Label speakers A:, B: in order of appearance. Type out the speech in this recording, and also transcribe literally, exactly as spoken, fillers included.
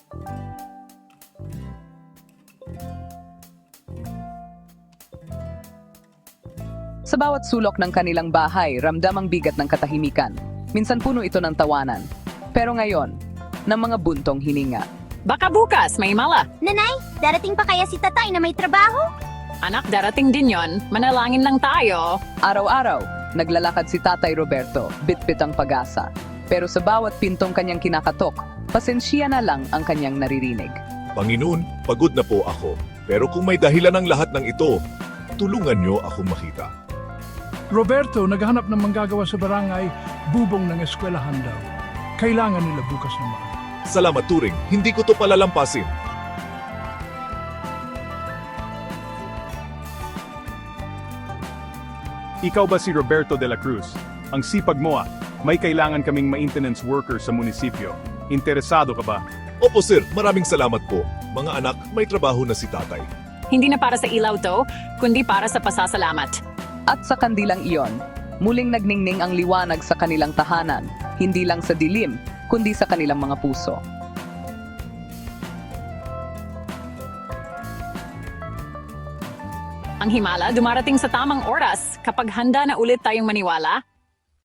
A: Sa bawat sulok ng kanilang bahay, ramdam ang bigat ng katahimikan. Minsan puno ito ng tawanan. Pero ngayon, ng mga buntong hininga.
B: Baka bukas may mala.
C: Nanay, darating pa kaya si tatay na may trabaho?
B: Anak, darating din yon. Manalangin lang tayo.
A: Araw-araw, naglalakad si Tatay Roberto, bitbit ang pag-asa. Pero sa bawat pintong kanyang kinakatok, pasensya na lang ang kanyang naririnig.
D: Panginoon, pagod na po ako. Pero kung may dahilan ng lahat ng ito, tulungan niyo akong makita.
E: Roberto, naghahanap ng manggagawa sa barangay, bubong ng eskwelahan daw. Kailangan nila bukas na maaga.
D: Salamat Turing, hindi ko to palalampasin.
F: Ikaw ba si Roberto de la Cruz? Ang sipag mo ah. May kailangan kaming maintenance worker sa munisipyo. Interesado ka ba?
D: Opo sir, maraming salamat po. Mga anak, may trabaho na si tatay.
B: Hindi na para sa ilaw to, kundi para sa pasasalamat.
A: At sa kandilang iyon, muling nagningning ang liwanag sa kanilang tahanan, hindi lang sa dilim, kundi sa kanilang mga puso.
B: Ang himala dumarating sa tamang oras kapag handa na ulit tayong maniwala